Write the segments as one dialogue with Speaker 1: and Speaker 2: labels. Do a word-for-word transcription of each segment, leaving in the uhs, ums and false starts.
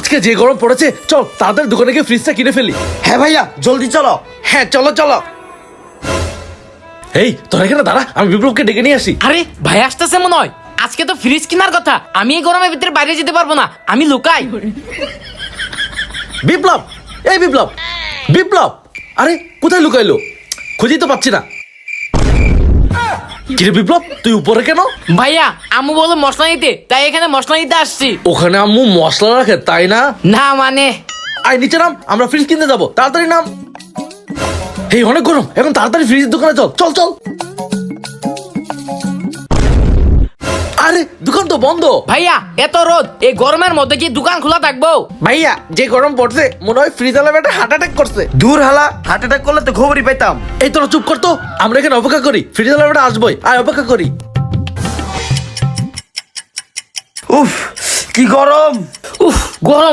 Speaker 1: আজকে যে গরম পড়েছে, চল তাড়াতাড়ি দোকানে গিয়ে ফ্রিজটা কিনে ফেলি।
Speaker 2: হ্যাঁ ভাইয়া, জলদি চলো।
Speaker 1: হ্যাঁ চলো চলো। এই তোরা এখানে দাঁড়া, আমি বিপ্লবকে ডেকে নিয়ে আসি।
Speaker 3: আরে ভাই আসতেছে মনে হয়। আজকে তো ফ্রিজ কেনার কথা, আমি এই গরমের ভিতরে বাইরে যেতে পারবো না, আমি লুকাই।
Speaker 1: বিপ্লব, এই বিপ্লব, বিপ্লব, আরে কোথায় লুকাইলো? খুঁজেই তো পাচ্ছি না। কিরে বিপ্লব, তুই উপরে কেন?
Speaker 3: ভাইয়া আম্মু বলো মশলা নিতে, তাই এখানে মশলা নিতে আসছি।
Speaker 1: ওখানে আম্মু মশলা রাখে তাই না?
Speaker 3: না মানে
Speaker 1: আয় নিচে নাম, আমরা ফ্রিজ কিনতে যাবো, তাড়াতাড়ি নাম। এই অনেক গরম, এখন তাড়াতাড়ি ফ্রিজের দোকানে চল চল চল। আরে দোকান তো বন্ধ।
Speaker 3: ভাইয়া এত রোদ, এই গরমের মধ্যে কি দোকান খোলা থাকবো?
Speaker 1: ভাইয়া যে গরম পড়ছে, মনে হয় ফ্রিজ আলা একটা হার্ট অ্যাটাক করছে।
Speaker 2: দূর হালা, হার্ট অ্যাটাক করলে তো খবরই পেতাম।
Speaker 1: এই তোরা চুপ করতো, আমরা এখানে অপেক্ষা করি, ফ্রিজ আলা একটা আসবোই, আয় অপেক্ষা করি।
Speaker 2: উফ কি গরম।
Speaker 3: উফ গরম।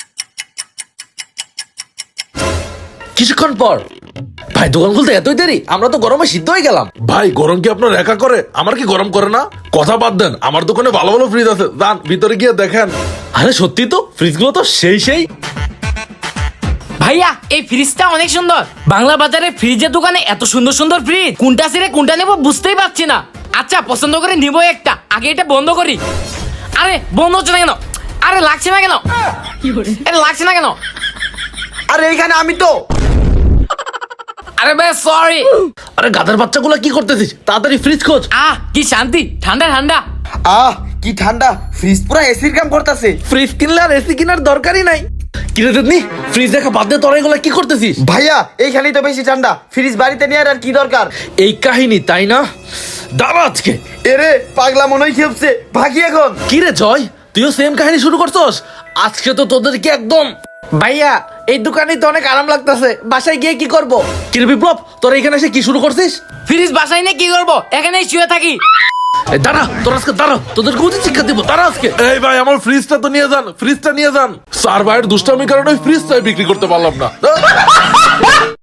Speaker 1: কিছুক্ষণ পর, ভাই দোকান খুলতে এতই দেরি, আমরা তো গরমে সিদ্ধ হয়ে গেলাম।
Speaker 4: ভাই গরম কি আপনার একা করে? আমার কি গরম করে না? কথা বাদ দেন, আমার দোকানে ভালো ভালো ফ্রিজ আছে, যান ভিতরে গিয়ে দেখেন।
Speaker 1: আরে সত্যি তো, ফ্রিজগুলো তো সেই সেই।
Speaker 3: ভাইয়া এই ফ্রিজটা অনেক সুন্দর। বাংলা বাজারে ফ্রিজের দোকানে এত সুন্দর সুন্দর ফ্রিজ, কোনটা ছেড়ে কোনটা নেবো বুঝতেই পারছি না। আচ্ছা পছন্দ করে নিবো একটা, আগে এটা বন্ধ করি। আরে বন্ধ হচ্ছে না কেন? আরে লাগছে না কেন? আরে লাগছে না কেন?
Speaker 2: আরে এইখানে আমি তো।
Speaker 3: আরে ভাই সরি।
Speaker 1: আরে গাধার বাচ্চাগুলো কি করতেছিস? তাড়াতাড়ি ফ্রিজ খোঁজ।
Speaker 3: আহ কি শান্তি, ঠান্ডা ঠান্ডা।
Speaker 2: আহ কি ঠান্ডা, ফ্রিজ পুরো এসির কাম করতেছে।
Speaker 1: ফ্রিজ কিনলে আর এসি কেনার দরকারই নাই। কিনে দেননি, ফ্রিজ দেখা বাদ দিয়ে তোরা এগুলো কি করতেছিস?
Speaker 2: ভাইয়া এইখানেই তো বেশি ঠান্ডা, ফ্রিজ বাড়িতে নিয়ে আর কি দরকার।
Speaker 1: এই কাহিনী তাই না? দাঁড়া আজকে।
Speaker 2: এরে পাগলা মনে হয় খেপছে, ভাগি এখন।
Speaker 1: কি রে জয়, তুইও সেম কাহিনী শুরু করছস? আজকে তো তোদেরকে একদম। ভাইয়া এই দোকানে তো অনেক আরাম লাগতেছে, বাসায় গিয়ে কি করব? কি রে বিপ্লব, তোরা এখানে এসে কি শুরু করছিস?
Speaker 3: ফ্রিজ বাসায় নিয়ে কি করবো, এখানেই শুয়ে থাকি।
Speaker 1: এই দাঁড়া, তোরা আজকে দাঁড়া, তোদেরকে উচিত শিক্ষা দিব, দাঁড়া আজকে।
Speaker 4: এই ভাই আমার ফ্রিজটা তো নিয়ে যান, ফ্রিজটা নিয়ে যান। স্যার ভাইয়ের দুষ্টামির কারণে ফ্রিজটাই বিক্রি করতে পারলাম না।